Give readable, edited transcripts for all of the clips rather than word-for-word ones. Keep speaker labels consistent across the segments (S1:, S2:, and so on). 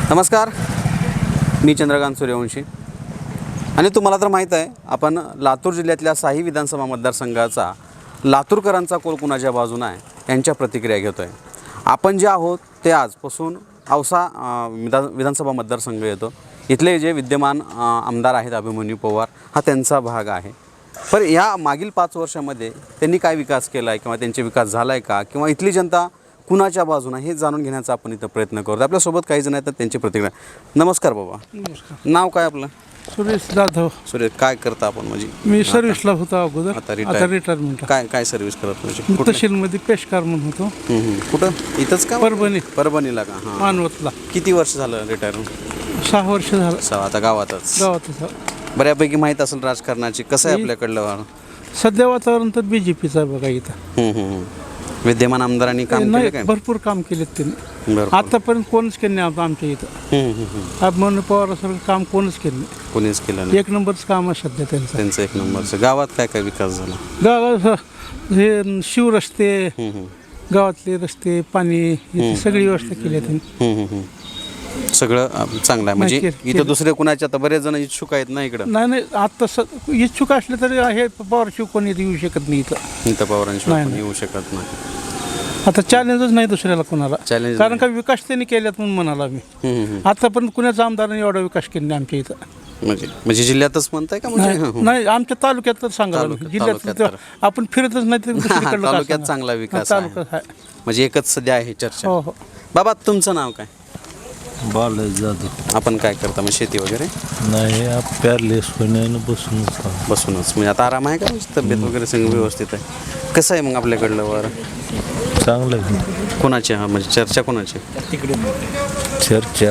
S1: नमस्कार, मी चंद्रकांत सूर्यवंशी आणि तुम्हाला तर माहीत आहे आपण लातूर जिल्ह्यातल्या साही विधानसभा मतदारसंघाचा लातूरकरांचा कोल कुणाच्या बाजूने आहे यांच्या प्रतिक्रिया घेतो आहे. आपण जे आहोत ते आजपासून औसा विधानसभा मतदारसंघ येतो. इथले जे विद्यमान आमदार आहेत अभिमन्यू पवार हा त्यांचा भाग आहे. पण या मागील 5 वर्षामध्ये त्यांनी काय विकास केला आहे किंवा त्यांचे विकास झाला आहे का किंवा इथली जनता कुणाच्या बाजूने हे जाणून घेण्याचा आपण इथं प्रयत्न करतो. आपल्यासोबत काही जण आहेत तर त्यांची प्रतिक्रिया. नमस्कार बाबा.
S2: नमस्कार.
S1: नाव काय आपलं?
S2: सुरेश जाधव.
S1: सुरेश, काय करता आपण? म्हणजे
S2: मी सर्व्हिसला होतो अगोदर,
S1: आता
S2: आता रिटायरमेंट.
S1: काय सर्व्हिस करत म्हणजे
S2: तहसीलमध्ये पेशकार म्हणून होतो.
S1: कुठं? इथंच का? परभणीला का? हां.
S2: मानवतला.
S1: किती वर्ष झालं रिटायर?
S2: 6 वर्ष झालं
S1: 6. आता गावातच
S2: गावातच.
S1: बऱ्यापैकी माहीत असेल राजकारणाची. कसं आहे आपल्याकडलं
S2: सध्या वातावरण तर बीजेपीचं आहे बघा इथं.
S1: विद्यमान आमदारांनी काम केलं काय?
S2: भरपूर काम केलेत त्यांनी.
S1: बरं.
S2: आतापर्यंत कोणच केलं नाही आमच्या इथं. अभिमन्यू पवारासारखं काम कोणच केलं नाही.
S1: कोणीच केलं नाही.
S2: 1 नंबरचं काम आहे सध्या त्यांचं.
S1: 1 नंबरचं. गावात काय काय विकास झाला?
S2: गावात हे शिवरस्ते, गावातले रस्ते, पाणी याची सगळी व्यवस्था केली आहे त्यांनी.
S1: सगळं चांगलं आहे. म्हणजे इथं दुसरे कुणाचे आता बरेच जण इच्छुक आहेत ना इकडं?
S2: नाही आता इच्छुक असले तरी हे पवारशिव कोणी येऊ शकत नाही इथं
S1: पवारांशिवाय कोणी येऊ शकत नाही.
S2: आता चॅलेंजच नाही दुसऱ्याला कोणाला.
S1: चॅलेंज
S2: कारण का विकास त्यांनी केल्यात म्हणून म्हणाला मी. आतापर्यंत कुणाचा आमदारांनी एवढा विकास केला नाही आमच्या इथं.
S1: म्हणजे जिल्ह्यातच म्हणताय का?
S2: नाही आमच्या तालुक्यात तर सांगा. जिल्ह्यात आपण फिरतच नाही
S1: तालुक्यात चांगला विकास आहे. म्हणजे एकच सध्या आहे चर्चा.
S2: हो.
S1: बाबा, तुमचं नाव काय?
S3: बालाजी जाधव.
S1: आपण काय करता? मग शेती वगैरे?
S3: नाही, पॅरलेस होण्यानं
S1: बसूनच. म्हणजे आता आराम आहे का? तब्येत वगैरे सगळं व्यवस्थित आहे? कसं आहे मग आपल्याकडलं वर?
S3: चांगलं आहे.
S1: कोणाची? हा, म्हणजे चर्चा कोणाची?
S3: चर्चा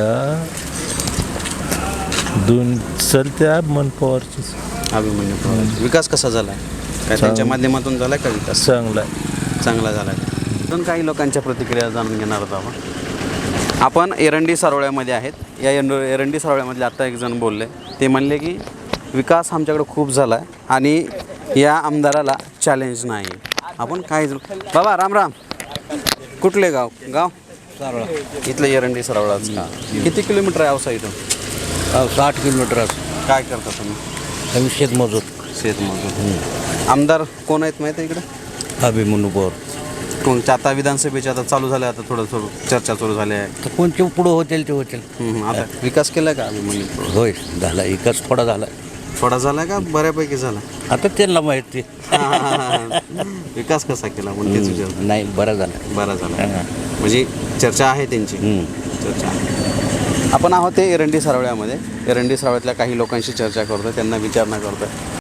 S3: 2 चलत्या मन पवारचीच.
S1: अभिमन्यू पवार. विकास कसा झाला आहे? काय त्यांच्या माध्यमातून झाला का विकास?
S3: चांगला आहे.
S1: चांगला झाला आहे. अजून काही लोकांच्या प्रतिक्रिया जाणून घेणार आहोत आपण. एरंडी सारोळ्यामध्ये आहेत. या एरंडी सारोळ्यामधले आत्ता एक जण बोलले. ते म्हणले की विकास आमच्याकडे खूप झाला आहे आणि या आमदाराला चॅलेंज नाही. आपण काय बाबा, राम राम. कुठले गाव?
S4: सारोळा.
S1: इथलं एरंडी सारोळाच का? किती किलोमीटर आहे औसा इथून?
S4: 60 किलोमीटर असं.
S1: काय करता तुम्ही?
S4: आम्ही शेतमजूर.
S1: आमदार कोण आहेत माहीत आहे इकडं?
S4: अभिमन्यू पवार.
S1: कोणच्या? आता विधानसभेची आता चालू झाल्या, आता थोडं चर्चा सुरू झाली आहे.
S4: तर कोणते पुढं होतील ते होतील.
S1: आता विकास केला का अभिमन्यू?
S4: होय, झाला. एकच थोडा झाला.
S1: थोडा झाला का बऱ्यापैकी झाला?
S4: आता त्यांना माहिती.
S1: विकास कसा केला म्हणून विचार.
S4: नाही, बरा झाला.
S1: म्हणजे चर्चा आहे त्यांची. चर्चा आहे. आपण आहोत ते एरंडी सारोळ्यामध्ये. एरंडी सारोळ्यातल्या काही लोकांशी चर्चा करतो, त्यांना विचारणा करतो.